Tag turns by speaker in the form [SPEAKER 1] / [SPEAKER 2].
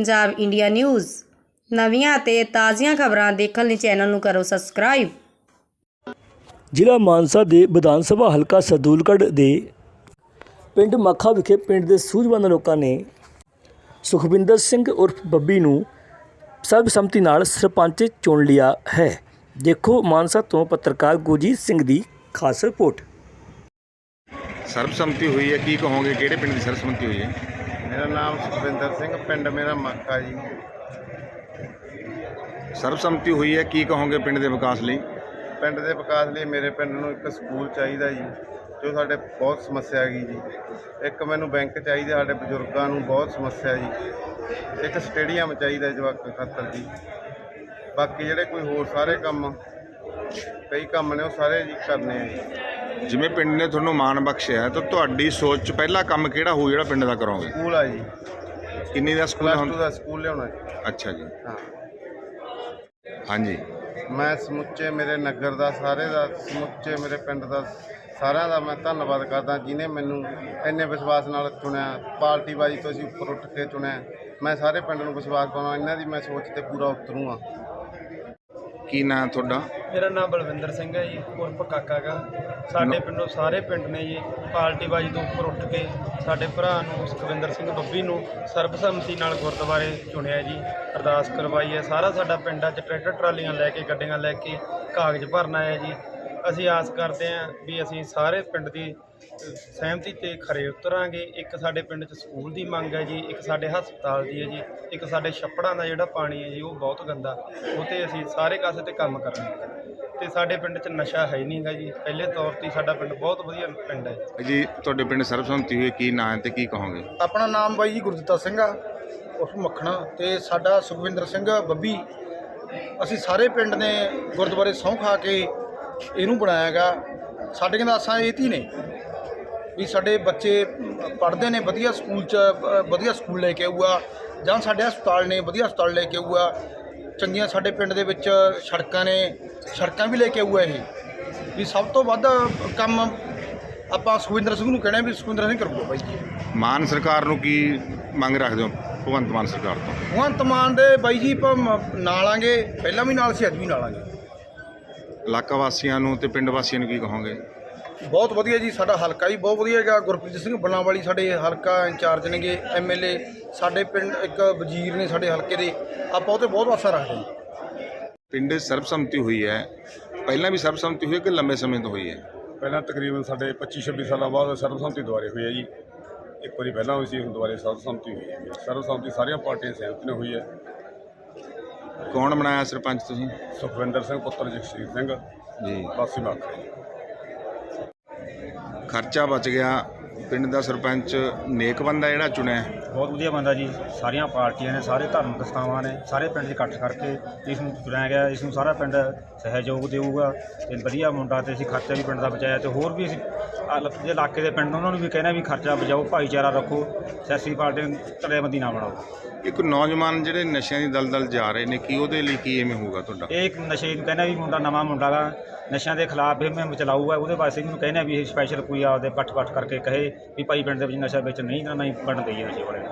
[SPEAKER 1] Punjab India news नवीਆਂ ਤੇ ਤਾਜ਼ੀਆਂ ਖਬਰਾਂ ਦੇਖਣ ਲਈ ਚੈਨਲ ਨੂੰ ਕਰੋ ਸਬਸਕ੍ਰਾਈਬ।
[SPEAKER 2] ਜ਼ਿਲ੍ਹਾ ਮਾਨਸਾ ਦੇ ਵਿਧਾਨ ਸਭਾ ਹਲਕਾ ਸਰਦੂਲਗੜ੍ਹ ਦੇ ਪਿੰਡ ਮੱਖਾ ਵਿਖੇ ਪਿੰਡ ਦੇ ਸੂਝਵਾਨ ਲੋਕਾਂ ਨੇ ਸੁਖਵਿੰਦਰ ਸਿੰਘ ਉਰਫ ਬੱਬੀ ਨੂੰ ਸਰਬਸੰਮਤੀ ਨਾਲ ਸਰਪੰਚ ਚੁਣ ਲਿਆ ਹੈ। ਦੇਖੋ ਮਾਨਸਾ ਤੋਂ ਪੱਤਰਕਾਰ ਗੁਰਜੀਤ ਸਿੰਘ ਦੀ ਖਾਸ ਰਿਪੋर्ट।
[SPEAKER 3] ਸਰਬਸੰਮਤੀ ਹੋਈ ਹੈ, ਕੀ ਕਹੋਗੇ ਕਿਹੜੇ ਪਿੰਡ ਦੀ ਸਰਬਸੰਮਤੀ ਹੋਈ ਹੈ?
[SPEAKER 4] मेरा नाम सुखविंदर सिंह, पिंड मेरा मक्का जी।
[SPEAKER 3] ਸਰਬਸੰਮਤੀ ਹੋਈ ਹੈ, ਕੀ ਕਹੋਗੇ ਪਿੰਡ ਦੇ ਵਿਕਾਸ ਲਈ?
[SPEAKER 4] ਪਿੰਡ ਦੇ ਵਿਕਾਸ ਲਈ ਮੇਰੇ ਪਿੰਡ ਨੂੰ ਇੱਕ ਸਕੂਲ ਚਾਹੀਦਾ ਜੀ, ਜੋ ਸਾਡੇ ਬਹੁਤ ਸਮੱਸਿਆ ਹੈਗੀ ਜੀ। ਇੱਕ ਮੈਨੂੰ ਬੈਂਕ ਚਾਹੀਦਾ, ਸਾਡੇ ਬਜ਼ੁਰਗਾਂ ਨੂੰ ਬਹੁਤ ਸਮੱਸਿਆ ਜੀ। ਇੱਕ ਸਟੇਡੀਅਮ ਚਾਹੀਦਾ ਜਵਾਕਾਂ ਖਾਤਰ ਜੀ। ਬਾਕੀ ਜਿਹੜੇ ਕੋਈ ਹੋਰ ਸਾਰੇ ਕੰਮ, ਕਈ ਕੰਮ ਨੇ ਉਹ ਸਾਰੇ ਜੀ ਕਰਨੇ ਆ ਜੀ।
[SPEAKER 3] ਜਿਵੇਂ ਪਿੰਡ ਨੇ ਤੁਹਾਨੂੰ ਮਾਣ ਬਖਸ਼ਿਆ ਹੈ ਤਾਂ ਤੁਹਾਡੀ ਸੋਚ 'ਚ ਪਹਿਲਾ ਕੰਮ ਕਿਹੜਾ ਹੋਊ ਜਿਹੜਾ ਪਿੰਡ ਦਾ ਕਰੋਗੇ?
[SPEAKER 4] ਸਕੂਲ ਆ ਜੀ,
[SPEAKER 3] ਕਿੰਨੀ ਦਾ ਸਕੂਲ
[SPEAKER 4] +2 ਦਾ ਸਕੂਲ ਲਿਆਉਣਾ ਜੀ।
[SPEAKER 3] ਅੱਛਾ ਜੀ,
[SPEAKER 4] ਹਾਂ,
[SPEAKER 3] ਹਾਂਜੀ।
[SPEAKER 4] ਮੈਂ ਸਮੁੱਚੇ ਮੇਰੇ ਨਗਰ ਦਾ, ਸਾਰੇ ਦਾ, ਸਮੁੱਚੇ ਮੇਰੇ ਪਿੰਡ ਦਾ, ਸਾਰਿਆਂ ਦਾ ਮੈਂ ਧੰਨਵਾਦ ਕਰਦਾ ਜਿਨੇ ਮੈਨੂੰ ਇੰਨੇ ਵਿਸ਼ਵਾਸ ਨਾਲ ਚੁਣਿਆ। ਪਾਰਟੀਬਾਜ਼ੀ ਤੋਂ ਅਸੀਂ ਉੱਪਰ ਉੱਠ ਕੇ ਚੁਣਿਆ। ਮੈਂ ਸਾਰੇ ਪਿੰਡ ਨੂੰ ਵਿਸ਼ਵਾਸ ਪਾਉਣਾ, ਇਹਨਾਂ ਦੀ ਮੈਂ ਸੋਚ ਤੇ ਪੂਰਾ ਉਤਰੂੰਗਾ।
[SPEAKER 3] ਕੀ ਨਾਂ ਤੁਹਾਡਾ?
[SPEAKER 5] मेरा नाम बलविंदर सिंह है जी, उर्फ काका गा। साडे पिंडों सारे पिंड ने जी पार्टीबाजी तो उपर उठ के साडे भरा नूं सुखविंदर सिंह बब्बी नूं सर्बसम्मति नाल गुरद्वारे चुनिया जी। अरदास करवाई है। सारा साडा पिंड अज ट्रैक्टर ट्रालियां लैके गड्डियां लैके कागज भरना है जी। ਅਸੀਂ ਆਸ ਕਰਦੇ ਹਾਂ ਵੀ ਅਸੀਂ ਸਾਰੇ ਪਿੰਡ ਦੀ ਸਹਿਮਤੀ ਤੇ ਖਰੇ ਉਤਰਾਂਗੇ। ਇੱਕ ਸਾਡੇ ਪਿੰਡ 'ਚ ਸਕੂਲ ਦੀ ਮੰਗ ਹੈ ਜੀ, ਇੱਕ ਸਾਡੇ ਹਸਪਤਾਲ ਦੀ ਹੈ ਜੀ, ਇੱਕ ਸਾਡੇ ਛੱਪੜਾਂ ਦਾ ਜਿਹੜਾ ਪਾਣੀ ਹੈ ਜੀ ਉਹ ਬਹੁਤ ਗੰਦਾ, ਉਹ 'ਤੇ ਅਸੀਂ ਸਾਰੇ ਕਾਸੇ 'ਤੇ ਕੰਮ ਕਰਾਂਗੇ। ਅਤੇ ਸਾਡੇ ਪਿੰਡ 'ਚ ਨਸ਼ਾ ਹੈ ਹੀ ਨਹੀਂ ਗਾ ਜੀ। ਪਹਿਲੇ ਤੌਰ 'ਤੇ ਸਾਡਾ ਪਿੰਡ ਬਹੁਤ ਵਧੀਆ ਪਿੰਡ ਹੈ
[SPEAKER 3] ਜੀ। ਤੁਹਾਡੇ ਪਿੰਡ ਸਰਬਸੰਮਤੀ ਹੋਈ, ਕੀ ਨਾਂ ਹੈ ਤੇ ਕੀ ਕਹੋਗੇ?
[SPEAKER 6] ਆਪਣਾ ਨਾਮ ਬਾਈ ਜੀ ਗੁਰਦਿੱਤਾ ਸਿੰਘ ਆ, ਉਸ ਮੱਖਣਾ, ਤੇ ਸਾਡਾ ਸੁਖਵਿੰਦਰ ਸਿੰਘ ਬੱਬੀ। ਅਸੀਂ ਸਾਰੇ ਪਿੰਡ ਨੇ ਗੁਰਦੁਆਰੇ ਸਹੁੰ ਖਾ ਕੇ ਇਹਨੂੰ ਬਣਾਇਆ ਗਾ। ਸਾਡੀਆਂ ਤਾਂ ਆਸਾਂ ਇਹ ਤੀ ਨੇ ਵੀ ਸਾਡੇ ਬੱਚੇ ਪੜ੍ਹਦੇ ਨੇ ਵਧੀਆ ਸਕੂਲ 'ਚ, ਵਧੀਆ ਸਕੂਲ ਲੈ ਕੇ ਆਊਗਾ, ਜਾਂ ਸਾਡੇ ਹਸਪਤਾਲ ਨੇ ਵਧੀਆ ਹਸਪਤਾਲ ਲੈ ਕੇ ਆਊਗਾ, ਚੰਗੀਆਂ ਸਾਡੇ ਪਿੰਡ ਦੇ ਵਿੱਚ ਸੜਕਾਂ ਨੇ, ਸੜਕਾਂ ਵੀ ਲੈ ਕੇ ਆਊਗਾ। ਇਹ ਵੀ ਸਭ ਤੋਂ ਵੱਧ ਕੰਮ ਆਪਾਂ ਸੁਖਵਿੰਦਰ ਸਿੰਘ ਨੂੰ ਕਹਿਣਾ ਵੀ ਸੁਖਵਿੰਦਰ ਸਿੰਘ ਕਰੂਗਾ ਬਾਈ ਜੀ।
[SPEAKER 3] ਮਾਨ ਸਰਕਾਰ ਨੂੰ ਕੀ ਮੰਗ ਰੱਖਦੇ ਹੋ ਭਗਵੰਤ ਮਾਨ ਸਰਕਾਰ ਤੋਂ?
[SPEAKER 6] ਭਗਵੰਤ ਮਾਨ ਦੇ ਬਾਈ ਜੀ ਆਪਾਂ ਨਾਲ ਆਂਗੇ, ਪਹਿਲਾਂ ਵੀ ਨਾਲ ਸੀ, ਅੱਜ ਵੀ ਨਾਲ ਆਂਗੇ।
[SPEAKER 3] ਇਲਾਕਾ ਵਾਸੀਆਂ ਨੂੰ ਤੇ ਪਿੰਡ ਵਾਸੀਆਂ ਨੂੰ ਕੀ ਕਹੋਗੇ?
[SPEAKER 6] ਬਹੁਤ ਵਧੀਆ ਜੀ, ਸਾਡਾ ਹਲਕਾ ਵੀ ਬਹੁਤ ਵਧੀਆ ਹੈਗਾ। ਗੁਰਪ੍ਰੀਤ ਸਿੰਘ ਬਲਾਵਾਲੀ ਸਾਡੇ ਹਲਕਾ ਇੰਚਾਰਜ ਨੇਗੇ, MLA ਸਾਡੇ ਪਿੰਡ, ਇੱਕ ਵਜ਼ੀਰ ਨੇ ਸਾਡੇ ਹਲਕੇ ਦੇ। ਆਪਾਂ ਉਹ 'ਤੇ ਬਹੁਤ ਆਸਾਂ ਰੱਖਦੇ ਹਾਂ।
[SPEAKER 3] ਪਿੰਡ ਸਰਬਸੰਮਤੀ ਹੋਈ ਹੈ, ਪਹਿਲਾਂ ਵੀ ਸਰਬਸੰਮਤੀ ਹੋਈ ਹੈ ਕਿ ਲੰਬੇ ਸਮੇਂ ਤੋਂ ਹੋਈ ਹੈ?
[SPEAKER 7] ਪਹਿਲਾਂ ਤਕਰੀਬਨ ਸਾਡੇ 25-26 ਸਾਲਾਂ ਬਾਅਦ ਸਰਬਸੰਮਤੀ ਦੁਆਰੇ ਹੋਈ ਹੈ ਜੀ। ਇੱਕ ਵਾਰੀ ਪਹਿਲਾਂ ਹੋਈ ਸੀ, ਹੁਣ ਦੁਆਰੇ ਸਰਬਸੰਮਤੀ ਹੋਈ ਹੈ। ਸਰਬਸੰਮਤੀ ਸਾਰੀਆਂ ਪਾਰਟੀਆਂ ਸਹਿਮਤੀ ਨਾਲ ਹੋਈ ਹੈ।
[SPEAKER 3] ਕੌਣ ਬਣਾਇਆ ਸਰਪੰਚ ਤੁਸੀਂ?
[SPEAKER 7] ਸੁਖਵਿੰਦਰ ਸਿੰਘ ਪੁੱਤਰ ਜਗਸੀਰ ਸਿੰਘ
[SPEAKER 3] ਜੀ।
[SPEAKER 7] ਵਾਸੀ ਮੱਖਾ ਜੀ।
[SPEAKER 3] ਖਰਚਾ ਬਚ ਗਿਆ। ਪਿੰਡ ਦਾ ਸਰਪੰਚ ਨੇਕ ਬੰਦਾ ਜਿਹੜਾ ਚੁਣਿਆ?
[SPEAKER 8] ਬਹੁਤ ਵਧੀਆ ਬੰਦਾ ਜੀ। ਸਾਰੀਆਂ ਪਾਰਟੀਆਂ ਨੇ, ਸਾਰੇ ਧਾਰਮਿਕ ਸੰਸਥਾਵਾਂ ਨੇ, ਸਾਰੇ ਪਿੰਡ 'ਚ ਇਕੱਠ ਕਰਕੇ ਇਸ ਨੂੰ ਚੁਣਿਆ ਗਿਆ। ਇਸ ਨੂੰ ਸਾਰਾ ਪਿੰਡ ਸਹਿਯੋਗ ਦੇਊਗਾ ਅਤੇ ਵਧੀਆ ਮੁੰਡਾ, ਅਤੇ ਅਸੀਂ ਖਰਚਾ ਵੀ ਪਿੰਡ ਦਾ ਬਚਾਇਆ। ਅਤੇ ਹੋਰ ਵੀ ਅਸੀਂ ਜੇ ਇਲਾਕੇ ਦੇ ਪਿੰਡ ਉਹਨਾਂ ਨੂੰ ਵੀ ਕਹਿੰਦੇ ਵੀ ਖਰਚਾ ਬਚਾਓ, ਭਾਈਚਾਰਾ ਰੱਖੋ, ਸਿਆਸੀ ਪਾਰਟੀ ਨੂੰ ਧੜੇਬੰਦੀ ਨਾ ਬਣਾਓ।
[SPEAKER 3] ਇੱਕ ਨੌਜਵਾਨ ਜਿਹੜੇ ਨਸ਼ਿਆਂ ਦੀ ਦਲਦਲ ਜਾ ਰਹੇ ਨੇ, ਕੀ ਉਹਦੇ ਲਈ ਕੀ ਐਵੇਂ ਹੋਊਗਾ ਤੁਹਾਡਾ?
[SPEAKER 8] ਇਹ ਇੱਕ ਨਸ਼ੇ ਨੂੰ ਕਹਿੰਦਾ ਵੀ ਮੁੰਡਾ ਨਵਾਂ ਮੁੰਡਾ ਗਾ, ਨਸ਼ਿਆਂ ਦੇ ਖਿਲਾਫ ਇਹ ਮੁਹਿੰਮ ਚਲਾਊਗਾ। ਉਹਦੇ ਵਾਸਤੇ ਇਹਨੂੰ ਕਹਿੰਦੇ ਵੀ ਇਹ ਸਪੈਸ਼ਲ ਕੋਈ ਆਪਦੇ ਪੱਠ ਕਰਕੇ ਕਹੇ ਵੀ ਭਾਈ ਪਿੰਡ ਦੇ ਵਿੱਚ ਨਸ਼ਾ ਵਿੱਚ ਨਹੀਂ ਤਾਂ ਨਹੀਂ ਬਣਨ ਦੇਈਏ ਨਸ਼ੇ ਵਾਲੇ।